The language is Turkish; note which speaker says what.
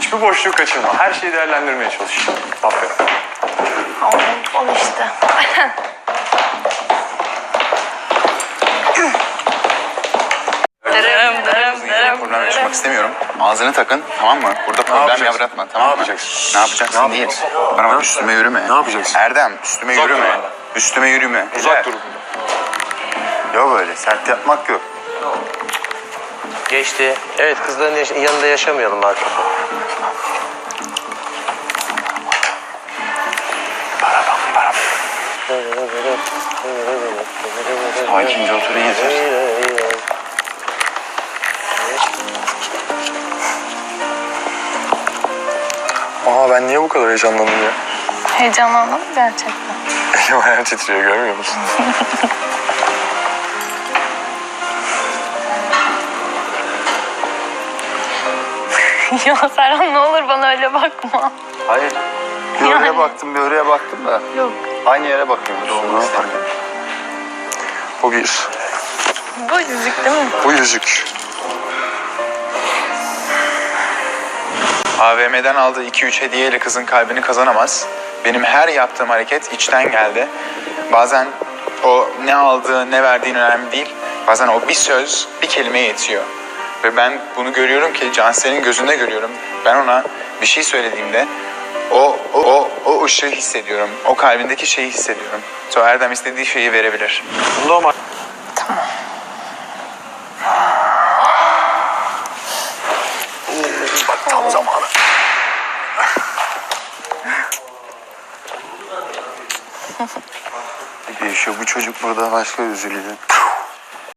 Speaker 1: Hiçbir boşluğu kaçırma. Her şeyi değerlendirmeye çalış. Aferin.
Speaker 2: Al işte.
Speaker 3: Problem yaşamak istemiyorum. Ağzını takın, tamam mı? Burada problem yaratma, tamam mı?
Speaker 1: Ne yapacaksın?
Speaker 3: Ne yapacaksın değil. Bana bak, üstüme yürüme.
Speaker 1: Ne yapacaksın?
Speaker 3: Erdem, üstüme
Speaker 1: Uzak dur
Speaker 3: yürüme.
Speaker 1: benden.
Speaker 3: Üstüme yürüme.
Speaker 1: Uzak dur.
Speaker 3: Yok öyle, sert yapmak yok.
Speaker 4: Geçti. Evet, kızların yanında yaşamayalım artık.
Speaker 3: Sakince oturun yeter.
Speaker 1: Aa, ben niye bu kadar heyecanlandım ya?
Speaker 2: Heyecanlandın mı gerçekten?
Speaker 1: Elim ayağım titriyor, görmüyor musun?
Speaker 2: Ya Serhan ne olur bana öyle bakma.
Speaker 3: Hayır. Bir oraya baktım, bir oraya baktım da.
Speaker 2: Yok.
Speaker 3: Aynı yere bakıyoruz. Olmaz fark etmez.
Speaker 1: Bu bir.
Speaker 2: Bu yüzük değil mi?
Speaker 1: Bu yüzük.
Speaker 3: AVM'den aldığı 2-3 hediyeyle kızın kalbini kazanamaz. Benim her yaptığım hareket içten geldi. Bazen o ne aldığı, ne verdiğin önemli değil. Bazen o bir söz, bir kelime yetiyor. Ve ben bunu görüyorum ki Cansel'in gözünde görüyorum. Ben ona bir şey söylediğimde o ışığı hissediyorum. O kalbindeki şeyi hissediyorum. So Erdem istediği şeyi verebilir.
Speaker 1: Bunda ama... Bak tam zamanı.
Speaker 3: Bir şey, bu çocuk burada başka üzülüyor.